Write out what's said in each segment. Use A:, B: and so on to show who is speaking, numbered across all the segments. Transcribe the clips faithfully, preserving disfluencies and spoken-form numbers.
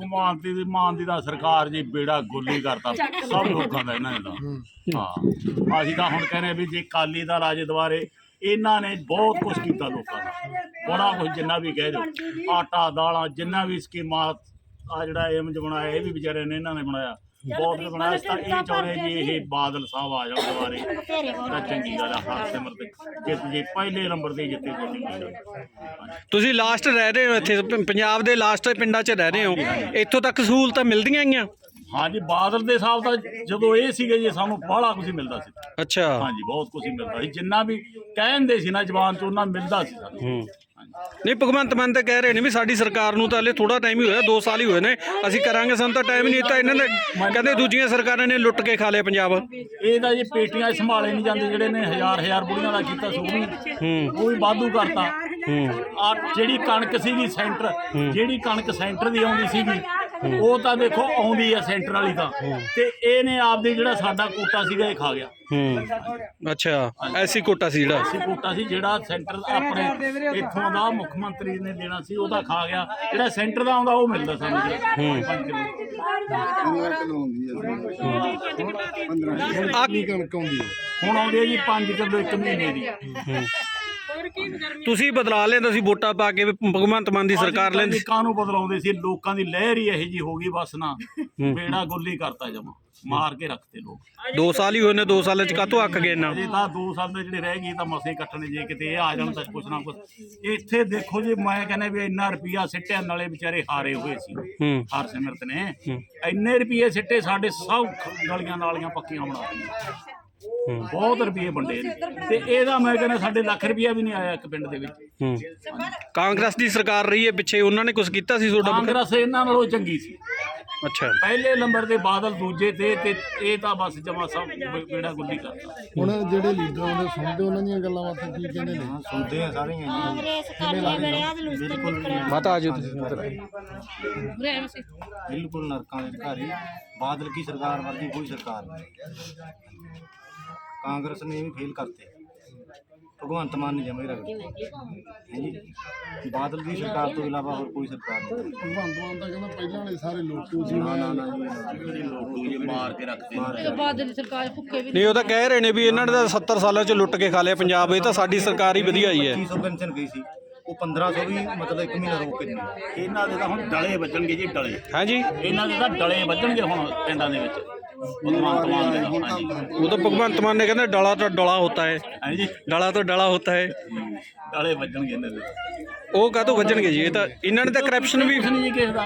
A: ਭਗਵਾਨ ਦੀ ਮਾਨ ਦੀ ਤਾਂ ਸਰਕਾਰ ਜੀ ਬੇੜਾ ਗੋਲੀ ਕਰਤਾ ਸਭ ਲੋਕਾਂ ਦਾ ਇਹਨਾਂ ਨੇ ਤਾਂ। ਹਾਂ ਅਸੀਂ ਤਾਂ ਹੁਣ ਕਹਿੰਦੇ ਵੀ ਜੇ ਅਕਾਲੀ ਦਲ ਆ ਜੇ ਦੁਬਾਰੇ ਇਹਨਾਂ ਨੇ ਬਹੁਤ ਕੁਛ ਕੀਤਾ ਲੋਕਾਂ ਦਾ, ਬੜਾ ਕੁਛ ਜਿੰਨਾ ਵੀ ਕਹਿ ਦਿਓ ਆਟਾ ਦਾਲਾਂ ਜਿੰਨਾ ਵੀ ਸਕੀਮਾਂ ਆ ਜਿਹੜਾ ਏਮਜ ਬਣਾਇਆ ਇਹ ਵੀ ਵਿਚਾਰੇ ਨੇ ਇਹਨਾਂ ਨੇ ਬਣਾਇਆ ਬਹੁਤ ਕੁਛ ਬਣਾਇਆ। ਤਾਂ ਇਹ ਚਾਹੁੰਦੇ ਜੀ ਇਹ ਬਾਦਲ ਸਾਹਿਬ ਆ ਜਾਣ ਦੁਬਾਰੇ ਤਾਂ ਚੰਗੀ ਗੱਲ ਆ। ਹਰਸਿਮਰਤ ਜਿੱਤ ਜੀ ਪਹਿਲੇ ਨੰਬਰ ਤੇ ਜਿੱਤੇ ਜੀ।
B: ਤੁਸੀਂ ਲਾਸਟ ਰਹਿ ਰਹੇ ਹੋ ਇੱਥੇ ਪੰਜਾਬ ਦੇ ਲਾਸਟ ਪਿੰਡਾਂ 'ਚ ਰਹਿ ਰਹੇ ਹੋ, ਇੱਥੋਂ ਤੱਕ ਸਹੂਲਤਾਂ ਮਿਲਦੀਆਂ ਗਈਆਂ?
A: ਹਾਂਜੀ ਬਾਦਲ ਦੇ ਸਾਹਿਬ ਤਾਂ ਜਦੋਂ ਇਹ ਸੀਗੇ ਜੀ ਸਾਨੂੰ ਬਾਹਲਾ ਕੁਝ ਮਿਲਦਾ ਸੀ।
B: ਅੱਛਾ
A: ਹਾਂਜੀ ਬਹੁਤ ਕੁਝ ਮਿਲਦਾ ਸੀ, ਜਿੰਨਾ ਵੀ ਕਹਿੰਦੇ ਸੀ ਨਾ ਜ਼ਬਾਨ 'ਚ ਉਹਨਾਂ ਮਿਲਦਾ ਸੀ ਸਾਨੂੰ।
B: ਨਹੀਂ ਭਗਵੰਤ ਮਾਨ ਤਾਂ ਕਹਿ ਰਹੇ ਨੇ ਵੀ ਸਾਡੀ ਸਰਕਾਰ ਨੂੰ ਤਾਂ ਹਲੇ ਥੋੜਾ ਟਾਈਮ ਹੀ ਹੋਇਆ, ਦੋ ਸਾਲ ਹੀ ਹੋਏ ਨੇ, ਅਸੀਂ ਕਰਾਂਗੇ, ਸਾਨੂੰ ਤਾਂ ਟਾਈਮ ਨਹੀਂ ਦਿੱਤਾ ਇਹਨਾਂ ਨੇ। ਕਹਿੰਦੇ ਦੂਜੀਆਂ ਸਰਕਾਰਾਂ ਨੇ ਲੁੱਟ ਕੇ ਖਾ ਲਿਆ ਪੰਜਾਬ।
A: ਇਹ ਤਾਂ ਜੀ ਪੇਟੀਆਂ ਸੰਭਾਲੇ ਨਹੀਂ ਜਾਂਦੇ, ਜਿਹੜੇ ਨੇ ਹਜ਼ਾਰ ਹਜ਼ਾਰ ਬੁੜੀਆਂ ਦਾ ਕੀਤਾ ਸੋ ਵੀ ਉਹ ਵੀ ਵਾਧੂ ਕਰਤਾ। ਆ ਜਿਹੜੀ ਕਣਕ ਸੀਗੀ ਸੈਂਟਰ ਜਿਹੜੀ ਕਣਕ ਸੈਂਟਰ ਦੀ ਆਉਂਦੀ ਸੀਗੀ ਉਹ ਤਾਂ ਦੇਖੋ ਆਉਂਦੀ ਆ ਸੈਂਟਰ ਵਾਲੀ ਤਾਂ, ਤੇ ਇਹਨੇ ਆਪਦੇ ਜਿਹੜਾ ਸਾਡਾ ਕੋਟਾ ਸੀਗਾ ਇਹ ਖਾ ਗਿਆ।
B: ਹੂੰ ਅੱਛਾ ਐਸੀ ਕੋਟਾ ਸੀ ਜਿਹੜਾ
A: ਐਸੀ ਕੋਟਾ ਸੀ ਜਿਹੜਾ ਸੈਂਟਰ ਆਪਣੇ ਇੱਥੋਂ ਦਾ ਮੁੱਖ ਮੰਤਰੀ ਨੇ ਦੇਣਾ ਸੀ ਉਹਦਾ ਖਾ ਗਿਆ, ਜਿਹੜਾ ਸੈਂਟਰ ਦਾ ਆਉਂਦਾ ਉਹ ਮਿਲਦਾ ਸਾਨੂੰ। ਹੁਣ ਆਉਂਦੀ ਹੈ ਜੀ ਪੰਜ ਕਿਲੋ ਇੱਕ ਮਹੀਨੇ ਦੀ।
B: ਤੁਸੀਂ ਬਦਲਾ ਲਿਆ ਤੁਸੀਂ ਵੋਟਾਂ ਪਾ ਕੇ ਭਗਵੰਤ ਮਾਨ ਦੀ ਸਰਕਾਰ ਲੈਂਦੀ।
A: ਕਾਹਨੂੰ ਬਦਲਾਉਂਦੇ ਸੀ, ਲੋਕਾਂ ਦੀ ਲਹਿਰ ਹੀ ਇਹੋ ਜੀ ਹੋ ਗਈ ਬਸ ਨਾ, ਬੇੜਾ ਗੋਲੀ ਕਰਤਾ ਜਮਾ, ਮਾਰ ਕੇ ਰੱਖਤੇ ਲੋਕ।
B: ਦੋ ਸਾਲ ਹੀ ਹੋਏ ਨੇ, ਦੋ ਸਾਲਾਂ ਚ ਕਾਹਤੋਂ ਅੱਕ ਗਏ ਨਾ?
A: ਜੀ ਤਾਂ ਦੋ ਸਾਲ ਦੇ ਜਿਹੜੇ ਰਹਿ ਗਏ ਤਾਂ ਮਸੇ ਕੱਟਣੇ, ਜੇ ਕਿਤੇ ਇਹ ਆ ਜਾਣ ਤਾਂ ਕੁਛ ਨਾ ਕੁਛ। ਇੱਥੇ ਦੇਖੋ ਜੀ ਮੈਂ ਕਹਿੰਦਾ ਵੀ ਇੰਨਾ ਰੁਪਈਆ ਸਿੱਟਿਆ ਨਾਲੇ ਵਿਚਾਰੇ ਹਾਰੇ ਹੋਏ ਸੀ ਹਰਸਿਮਰਤ ਨੇ, ਇੰਨੇ ਰੁਪਈਏ ਸਿੱਟੇ ਸਾਡੇ ਸਭ ਗਲੀਆਂ ਨਾਲੀਆਂ ਪੱਕੀਆਂ ਬਣਾ ਦਿੱਤੀਆਂ, ਬਹੁਤ ਰੁਪਏ ਵੰਡੇ ਨੇ, ਤੇ ਇਹਦਾ ਮੈਂ ਕਹਿੰਦਾ ਸਾਡੇ ਲੱਖ ਰੁਪਇਆ ਵੀ ਨਹੀਂ ਆਇਆ ਇੱਕ ਪਿੰਡ ਦੇ ਵਿੱਚ।
B: ਕਾਂਗਰਸ ਦੀ ਸਰਕਾਰ ਰਹੀ ਹੈ ਪਿੱਛੇ, ਉਹਨਾਂ ਨੇ ਕੁਝ ਕੀਤਾ ਸੀ ਤੁਹਾਡਾ?
A: ਕਾਂਗਰਸ ਇਹਨਾਂ ਨਾਲੋਂ ਚੰਗੀ ਸੀ।
B: ਅੱਛਾ
A: ਪਹਿਲੇ ਨੰਬਰ ਤੇ ਬਾਦਲ ਦੂਜੇ ਤੇ, ਤੇ ਇਹ ਤਾਂ ਬਸ ਜਮਾ ਸਭ ਬੇੜਾ ਗੁੱਲੀ ਕਰਦਾ।
C: ਹੁਣ ਜਿਹੜੇ ਲੀਡਰ ਆਉਂਦੇ ਸੁਣਦੇ ਉਹਨਾਂ ਦੀਆਂ ਗੱਲਾਂ ਬਾਤਾਂ ਕੀ ਕਹਿੰਦੇ ਨੇ?
A: ਸੁਣਦੇ ਆ ਸਾਰੀਆਂ
D: ਕਾਂਗਰਸ ਕਾਲੀ ਬਣਿਆ ਤੇ ਲੁੱਟ
B: ਮਾਤਾ ਆਜੋ ਤੁਸੀਂ
E: ਬਿਲਕੁਲ ਨਰਕਾਂ ਦੇ ਅਧਿਕਾਰੀ। ਬਾਦਲ ਕੀ ਸਰਕਾਰ ਵਰਗੀ ਕੋਈ ਸਰਕਾਰ ਨਹੀਂ, ਕਾਂਗਰਸ ਨੇ ਵੀ ਫੇਲ ਕਰਤੇ, ਭਗਵੰਤ ਮਾਨ ਨੇ ਜਮੇ ਰੱਖਦੇ ਹੈ ਜੀ। ਬਾਦਲ ਦੀ ਸਰਕਾਰ ਤੋਂ ਇਲਾਵਾ ਹੋਰ ਕੋਈ ਸਰਕਾਰ ਨਹੀਂ।
C: ਭਗਵੰਤ ਮਾਨ ਤਾਂ ਕਹਿੰਦਾ ਪਹਿਲਾਂ ਵਾਲੇ ਸਾਰੇ ਲੋਟੂ ਸੀ,
E: ਨਾ ਨਾ ਨਾ ਜੀ
A: ਲੋਕ ਜੀ ਮਾਰ ਕੇ ਰੱਖਦੇ।
D: ਬਾਦਲ ਦੀ ਸਰਕਾਰ ਭੁੱਖੇ ਵੀ
B: ਨਹੀਂ, ਉਹ ਤਾਂ ਕਹਿ ਰਹੇ ਨੇ ਵੀ ਇਹਨਾਂ ਨੇ ਤਾਂ ਸੱਤਰ ਸਾਲਾਂ ਚ ਲੁੱਟ ਕੇ ਖਾ ਲਿਆ ਪੰਜਾਬ, ਇਹ ਤਾਂ ਸਾਡੀ ਸਰਕਾਰ ਹੀ ਵਧੀਆ ਹੀ ਹੈ।
E: ਪੱਚੀ ਸੌ ਪੈਨਸ਼ਨ ਗਈ ਸੀ, ਉਹ ਪੰਦਰਾਂ ਸੌ ਵੀ ਮਤਲਬ ਇੱਕ ਮਹੀਨਾ ਰੋਕ ਕੇ ਦਿੰਦੇ।
A: ਇਹਨਾਂ ਦੇ ਤਾਂ ਹੁਣ ਡਲੇ ਵੱਜਣਗੇ ਜੀ, ਡਲੇ।
B: ਹਾਂਜੀ
A: ਇਹਨਾਂ ਦੇ ਤਾਂ ਡਲੇ ਵੱਜਣਗੇ ਹੁਣ ਪਿੰਡਾਂ ਦੇ ਵਿੱਚ ਭਗਵੰਤ ਮਾਨ ਦੇ। ਹਾਂਜੀ
B: ਉਹ ਤਾਂ ਭਗਵੰਤ ਮਾਨ ਨੇ ਕਹਿੰਦੇ ਡਲਾ ਤੋਂ ਡਲਾ ਹੋਤਾ ਹੈ,
A: ਹਾਂਜੀ
B: ਡਲਾ ਤੋਂ ਡਲਾ ਹੋਤਾ ਹੈ,
A: ਡਲੇ ਵੱਜਣਗੇ ਇਹਨਾਂ ਦੇ।
B: ਉਹ ਕਾਹਤੋਂ ਵੱਜਣਗੇ ਜੀ? ਇਹ ਤਾਂ ਇਹਨਾਂ ਨੇ ਤਾਂ ਕਰਪਸ਼ਨ ਵੀ।
A: ਕੁਛ ਨਹੀਂ ਜੀ ਕਿਸੇ ਦਾ।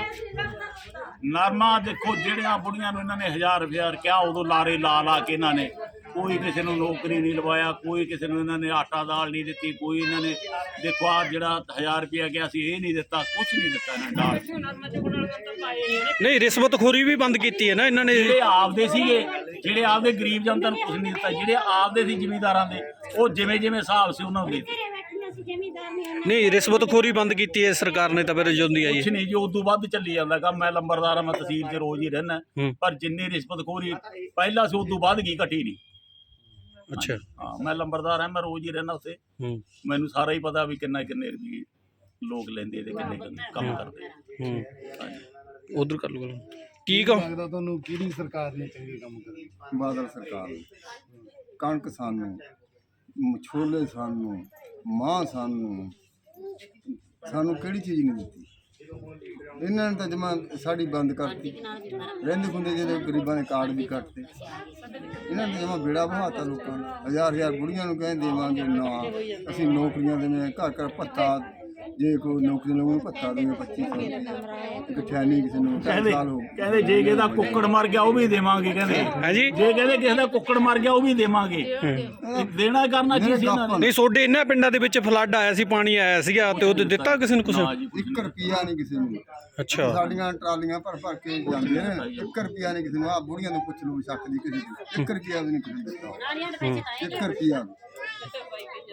A: ਨਰਮਾ ਦੇਖੋ ਜਿਹੜੀਆਂ ਬੁੜੀਆਂ ਨੂੰ ਇਹਨਾਂ ਨੇ ਹਜ਼ਾਰ ਹਜ਼ਾਰ ਕਿਹਾ, ਉਦੋਂ ਲਾਰੇ ਲਾ ਲਾ ਕੇ ਇਹਨਾਂ ਨੇ ਕੋਈ ਕਿਸੇ ਨੂੰ ਨੌਕਰੀ ਨਹੀਂ ਲਵਾਇਆ, ਕੋਈ ਕਿਸੇ ਨੂੰ ਇਹਨਾਂ ਨੇ ਆਟਾ ਦਾਲ ਨਹੀਂ ਦਿੱਤੀ, ਕੋਈ ਇਹਨਾਂ ਨੇ ਦੇਖੋ ਆ ਜਿਹੜਾ ਹਜ਼ਾਰ ਰੁਪਇਆ ਗਿਆ ਸੀ ਇਹ ਨਹੀਂ ਦਿੱਤਾ, ਕੁਛ ਨਹੀਂ ਦਿੱਤਾ ਇਹਨਾਂ ਨੇ ਦਾਲ।
B: ਨਹੀਂ ਰਿਸ਼ਵਤਖੋਰੀ ਵੀ ਬੰਦ ਕੀਤੀ ਹੈ ਨਾ ਇਹਨਾਂ ਨੇ।
A: ਜਿਹੜੇ ਆਪਦੇ ਸੀਗੇ, ਜਿਹੜੇ ਆਪਦੇ ਗਰੀਬ ਜਨਤਾ ਨੂੰ ਕੁਛ ਨਹੀਂ ਦਿੱਤਾ, ਜਿਹੜੇ ਆਪਦੇ ਸੀ ਜ਼ਿਮੀਂਦਾਰਾਂ ਦੇ ਉਹ ਜਿਵੇਂ ਜਿਵੇਂ ਹਿਸਾਬ ਸੀ ਉਹਨਾਂ ਨੂੰ ਦੇ ਦਿੱਤੇ।
B: ਨਹੀਂ ਰਿਸ਼ਵਤਖੋਰੀ ਬੰਦ ਕੀਤੀ ਹੈ ਸਰਕਾਰ ਨੇ ਤਾਂ ਫਿਰ ਜੁੰਦੀ ਆਈ
A: ਕੁਛ ਨਹੀਂ ਜੀ, ਉਦੋਂ ਵੱਧ ਚੱਲੀ ਜਾਂਦਾ ਕੰਮ। ਮੈਂ ਲੰਬਰਦਾਰ ਆ, ਮੈਂ ਤਹਿਸੀਲ 'ਚ ਰੋਜ਼ ਹੀ ਰਹਿਣਾ, ਪਰ ਜਿੰਨੀ ਰਿਸ਼ਵਤਖੋਰੀ ਪਹਿਲਾਂ ਸੀ ਉਦੋਂ ਵੱਧ ਗਈ, ਘਟੀ ਨਹੀਂ।
B: ਅੱਛਾ
A: ਹਾਂ ਮੈਂ ਲੰਬਰਦਾਰ ਹਾਂ, ਮੈਂ ਰੋਜ਼ ਹੀ ਰਹਿਣਾ ਉੱਥੇ, ਮੈਨੂੰ ਸਾਰਾ ਹੀ ਪਤਾ ਵੀ ਕਿੰਨਾ ਕਿੰਨੇ ਰੁਪਏ ਲੋਕ ਲੈਂਦੇ ਤੇ ਕਿੰਨੇ ਕਿੰਨੇ ਕੰਮ ਕਰਦੇ।
B: ਉਧਰ ਕਰ ਲਓ ਕੀ ਕਹੋ
C: ਲੱਗਦਾ ਤੁਹਾਨੂੰ ਕਿਹੜੀ ਸਰਕਾਰ ਨੇ ਚੰਗੇ ਕੰਮ ਕਰੇ?
F: ਬਾਦਲ ਸਰਕਾਰ ਨੇ ਕਣਕ ਸਾਨੂੰ, ਛੋਲੇ ਸਾਨੂੰ, ਮਾਂ ਸਾਨੂੰ, ਸਾਨੂੰ ਕਿਹੜੀ ਚੀਜ਼ ਨਹੀਂ ਦਿੱਤੀ। ਇਹਨਾਂ ਨੇ ਤਾਂ ਜਮਾ ਸਾਡੀ ਬੰਦ ਕਰਤੀ, ਰਹਿੰਦੇ ਖੁੰਦੇ ਜਿਹੜੇ ਗਰੀਬਾਂ ਦੇ ਕਾਰਡ ਵੀ ਕੱਟਤੇ। ਇਹਨਾਂ ਨੇ ਜਮਾ ਬੇੜਾ ਬਹਾਤਾ ਲੋਕਾਂ ਦਾ। ਹਜ਼ਾਰ ਹਜ਼ਾਰ ਬੁੜੀਆਂ ਨੂੰ ਕਹਿੰਦੇ ਦੇਵਾਂਗੇ, ਨਾ ਅਸੀਂ ਨੌਕਰੀਆਂ ਦੇਵੇਂ, ਘਰ ਘਰ ਭੱਤਾ, ਜੇ ਕੋਈ ਨੌਕਰੀ ਲੋਕਾਂ ਨੂੰ ਭੱਤਾ ਦੇਵੇ ਪੱਚੀ ਸੌ ਇਕੱਠਿਆ ਨਹੀਂ ਕਿਸੇ ਨੂੰ
A: ਕਹਿੰਦੇ
F: ਸਾਲ ਹੋ
A: ਕਹਿੰਦੇ ਜੇ ਕਿਸੇ ਦਾ ਕੁੱਕੜ ਮਰ ਗਿਆ ਉਹ ਵੀ ਦੇਵਾਂਗੇ, ਕਹਿੰਦੇ
B: ਹਾਂਜੀ
A: ਜੇ ਕਹਿੰਦੇ ਕਿਸੇ ਦਾ ਕੁੱਕੜ ਮਰ ਗਿਆ ਉਹ ਵੀ ਦੇਵਾਂਗੇ। ਦੇਣਾ ਕਰਨਾ ਕੀ ਸੀ ਇਹਨਾਂ ਨੇ?
B: ਨਹੀਂ ਤੁਹਾਡੇ ਇਹਨਾਂ ਪਿੰਡਾਂ ਦੇ ਵਿੱਚ ਫਲੱਡ ਆਇਆ ਸੀ, ਪਾਣੀ ਆਇਆ ਸੀਗਾ ਤੇ ਉਹ ਦਿੱਤਾ ਕਿਸੇ ਨੂੰ ਕੁਛ?
F: ਇੱਕ ਰੁਪਿਆ ਨਹੀਂ ਕਿਸੇ ਨੂੰ।
B: ਅੱਛਾ
F: ਸਾਡੀਆਂ ਟਰਾਲੀਆਂ ਭਰ ਭਰ ਕੇ ਜਾਂਦੇ ਨੇ, ਇੱਕ ਰੁਪਿਆ ਨਹੀਂ ਕਿਸੇ ਨੂੰ। ਆ ਬੁੜੀਆਂ ਨੂੰ ਪੁੱਛ ਲਓ ਸ਼ੱਕ ਦੀ ਕਿਸੇ ਦੀ, ਇੱਕ ਰੁਪਿਆ ਵੀ ਨਹੀਂ ਕਿਸੇ ਨੂੰ ਦਿੱਤਾ, ਇੱਕ ਰੁਪਿਆ।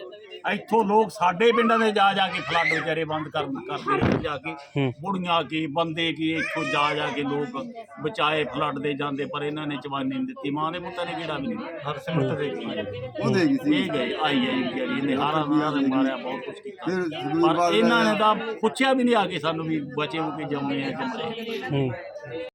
A: ਇੱਥੋਂ ਲੋਕ ਸਾਡੇ ਪਿੰਡਾਂ ਦੇ ਜਾ ਜਾ ਕੇ ਫਲੱਡ ਵਿਚਾਰੇ ਬੰਦ ਕਰ ਕਰਦੇ ਰਹੇ ਜਾ ਕੇ
B: ਹੂੰ।
A: ਬੁੜੀਆਂ ਕੀ ਬੰਦੇ ਕੀ ਇੱਥੋਂ ਜਾ ਜਾ ਕੇ ਲੋਕ ਬਚਾਏ ਫਲੱਡ ਦੇ ਜਾਂਦੇ, ਪਰ ਇਹਨਾਂ ਨੇ ਚਵਾਨੀ ਨਹੀਂ ਦਿੱਤੀ। ਮਾਂ ਦੇ ਪੁੱਤਾਂ ਨੇ ਕਿਹੜਾ ਵੀ ਨਹੀਂ ਹਰਸਿਮਰਤ ਦੇ
F: ਉਹ ਦੇ ਗਈ ਸੀ
A: ਇਹ ਗਏ ਆਈ ਆਈ ਵਿਚਾਰੀ ਇਹਨੇ ਹਾਰਾਂ ਨਾਲ ਦੇ ਮਾਰਿਆ, ਬਹੁਤ ਕੁਛ ਕੀਤਾ,
F: ਫਿਰ ਜ਼ਰੂਰ
A: ਪਰ
F: ਬਾਅਦ
A: ਇਹਨਾਂ ਨੇ ਤਾਂ ਪੁੱਛਿਆ ਵੀ ਨਹੀਂ ਆ ਕੇ ਸਾਨੂੰ ਵੀ ਬਚੇ ਹੋ ਕੇ ਜੰਮੇ ਆ ਕਿ ਮਰੇ।
B: ਹੂੰ